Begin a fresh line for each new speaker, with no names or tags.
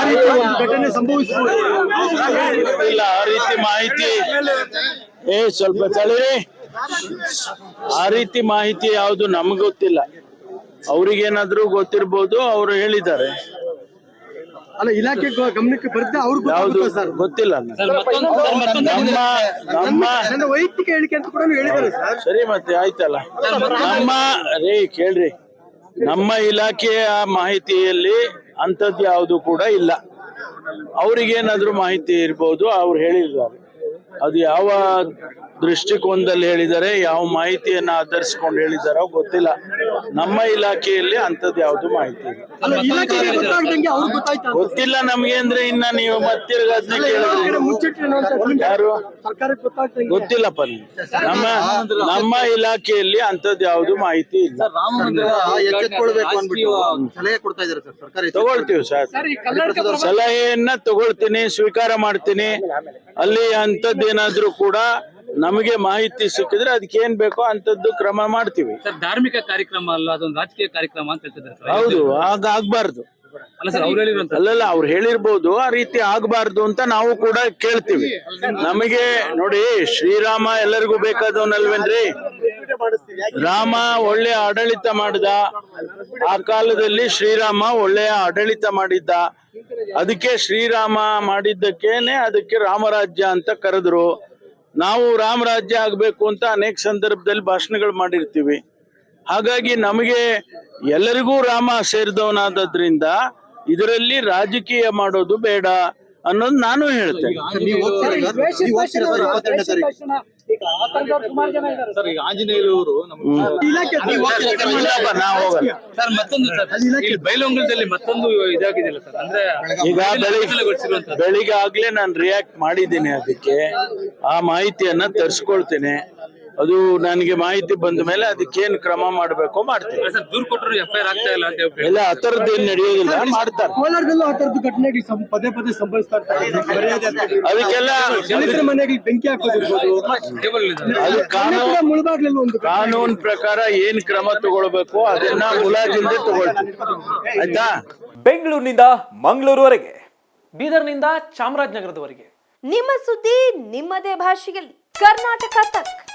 ಘಟನೆ ಸಂಭವಿಸಬಹುದು.
ಇಲ್ಲ ಆ ರೀತಿ ಮಾಹಿತಿ ಸ್ವಲ್ಪ ತಳಿರಿ. ಆ ರೀತಿ ಮಾಹಿತಿ ಯಾವುದು ನಮ್ಗೆ ಗೊತ್ತಿಲ್ಲ. ಅವ್ರಿಗೇನಾದ್ರೂ ಗೊತ್ತಿರ್ಬೋದು, ಅವರು ಹೇಳಿದ್ದಾರೆ.
ಅಲ್ಲ, ಇಲಾಖೆ ಗಮನಕ್ಕೆ ಬರುತ್ತೆ ಅವ್ರಿಗೆ
ಯಾವುದು ಗೊತ್ತಿಲ್ಲ.
ನನ್ನ ವೈಯಕ್ತಿಕ ಹೇಳಿಕೆ ಅಂತ ಕೂಡ ಹೇಳಿದ್ದಾರೆ ಸರ್.
ಸರಿ, ಮತ್ತೆ ಆಯ್ತಲ್ಲ. ಕೇಳ್ರಿ, ನಮ್ಮ ಇಲಾಖೆಯ ಮಾಹಿತಿಯಲ್ಲಿ ಅಂಥದ್ದು ಯಾವುದು ಕೂಡ ಇಲ್ಲ. ಅವ್ರಿಗೇನಾದ್ರೂ ಮಾಹಿತಿ ಇರ್ಬೋದು, ಅವ್ರು ಹೇಳಿದ್ದಾರೆ. ಅದು ಯಾವ ದೃಷ್ಟಿಕೋನದಲ್ಲಿ ಹೇಳಿದ್ದಾರೆ, ಯಾವ ಮಾಹಿತಿಯನ್ನ ಆಧರಿಸಿಕೊಂಡು ಹೇಳಿದಾರೋ ಗೊತ್ತಿಲ್ಲ. ನಮ್ಮ ಇಲಾಖೆಯಲ್ಲಿ ಅಂಥದ್ದು ಯಾವ್ದು ಮಾಹಿತಿ ಇಲ್ಲ. ಗೊತ್ತಿಲ್ಲ ನಮ್ಗೆ ಅಂದ್ರೆ ಇನ್ನ ನೀವು ಮತ್ತಿರ್ಗ ಅದನ್ನ ಕೇಳಿದ್ರೆ ಯಾರು ಗೊತ್ತಿಲ್ಲಪ್ಪ. ನಮ್ಮ ಇಲಾಖೆಯಲ್ಲಿ ಅಂಥದ್ದು ಯಾವ್ದು ಮಾಹಿತಿ ಇಲ್ಲ. ತಗೊಳ್ತೀವಿ ಸರ್, ಸಲಹೆಯನ್ನ ತಗೊಳ್ತೀನಿ, ಸ್ವೀಕಾರ ಮಾಡ್ತೀನಿ. ಅಲ್ಲಿ ಅಂಥದ್ದೇನಾದ್ರೂ ಕೂಡ ನಮಗೆ ಮಾಹಿತಿ ಸಿಕ್ಕಿದ್ರೆ ಅದಕ್ಕೆ ಏನ್ ಬೇಕೋ ಅಂತದ್ದು ಕ್ರಮ ಮಾಡ್ತೀವಿ.
ಧಾರ್ಮಿಕ ಕಾರ್ಯಕ್ರಮ ಅಲ್ಲ, ಅದೊಂದು ರಾಜಕೀಯ ಕಾರ್ಯಕ್ರಮ ಅಂತ ಹೇಳ್ತಿದ್ದಾರೆ.
ಹೌದು, ಆಗ್ಬಾರ್ದು. ಅಲ್ಲಲ್ಲ, ಅವ್ರು ಹೇಳಿರ್ಬೋದು, ಆ ರೀತಿ ಆಗ್ಬಾರ್ದು ಅಂತ ನಾವು ಕೂಡ ಕೇಳ್ತೀವಿ. ನಮಗೆ ನೋಡಿ, ಶ್ರೀರಾಮ ಎಲ್ಲರಿಗೂ ಬೇಕಾದವನಲ್ವೇನ್ರಿ? ರಾಮ ಒಳ್ಳೆಯ ಆಡಳಿತ ಮಾಡಿದ. ಆ ಕಾಲದಲ್ಲಿ ಶ್ರೀರಾಮ ಒಳ್ಳೆಯ ಆಡಳಿತ ಮಾಡಿದ್ದ. ಅದಕ್ಕೆ ಶ್ರೀರಾಮ ಮಾಡಿದ್ದಕ್ಕೇನೆ ಅದಕ್ಕೆ ರಾಮರಾಜ್ಯ ಅಂತ ಕರೆದ್ರು. ನಾವು ರಾಮರಾಜ್ಯ ಆಗ್ಬೇಕು ಅಂತ ಅನೇಕ ಸಂದರ್ಭದಲ್ಲಿ ಭಾಷಣಗಳು ಮಾಡಿರ್ತೀವಿ. ಹಾಗಾಗಿ ನಮಗೆ ಎಲ್ಲರಿಗೂ ರಾಮ ಸೇರಿದವನಾದ್ರಿಂದ ಇದರಲ್ಲಿ ರಾಜಕೀಯ ಮಾಡೋದು ಬೇಡ ಅನ್ನೋದು ನಾನು ಹೇಳ್ತೇನೆ.
ಆಂಜನೇಯರು ಬೈಲಹೊಂಗಲದಲ್ಲಿ ಮತ್ತೊಂದು ಇದಾಗಿದೆಯಲ್ಲ ಸರ್, ಅಂದ್ರೆ
ಈಗ ಬೆಳಿಗ್ಗೆ ಆಗ್ಲೇ ನಾನು ರಿಯಾಕ್ಟ್ ಮಾಡಿದ್ದೀನಿ. ಅದಕ್ಕೆ ಆ ಮಾಹಿತಿಯನ್ನ ತರಿಸ್ಕೊಳ್ತೇನೆ. ಅದು ನನಗೆ ಮಾಹಿತಿ ಬಂದ ಮೇಲೆ ಅದಕ್ಕೇನು ಕ್ರಮ ಮಾಡಬೇಕು ಮಾಡ್ತೀನಿ.
ದೂರು ಕೊಟ್ಟರು FIR ಆಗ್ತಾ ಇಲ್ಲ ಅಂತ
ಇಲ್ಲ, ಆ ತರದ್ದು ಏನ್ ನಡೆಯೋದಿಲ್ಲ, ಮಾಡ್ತಾರೆ.
ಕೋಲಾರದಲ್ಲೂ ಆ ತರದ್ದು ಘಟನೆಗಳು ಪದೇ ಪದೇ ಸಂಭವಿಸ್ತಾ ಇರ್ತಾರೆ.
ಅದಕ್ಕೆಲ್ಲ
ಮನೆಗೆ ಬೆಂಕಿ ಹಾಕೋದಿರ್ಬೋದು.
ಅದು ಕಾನೂನು ಪ್ರಕಾರ ಏನ್ ಕ್ರಮ ತಗೊಳ್ಬೇಕು ಅದನ್ನ ಮುಲಾಜಿಂದ ತಗೊಳ್ತೀವಿ. ಆಯ್ತಾ?
ಬೆಂಗಳೂರಿನಿಂದ ಮಂಗಳೂರುವರೆಗೆ, ಬೀದರ್ನಿಂದ ಚಾಮರಾಜನಗರದವರೆಗೆ
ನಿಮ್ಮ ಸುದ್ದಿ ನಿಮ್ಮದೇ ಭಾಷೆಯಲ್ಲಿ. ಕರ್ನಾಟಕ ತಕ್.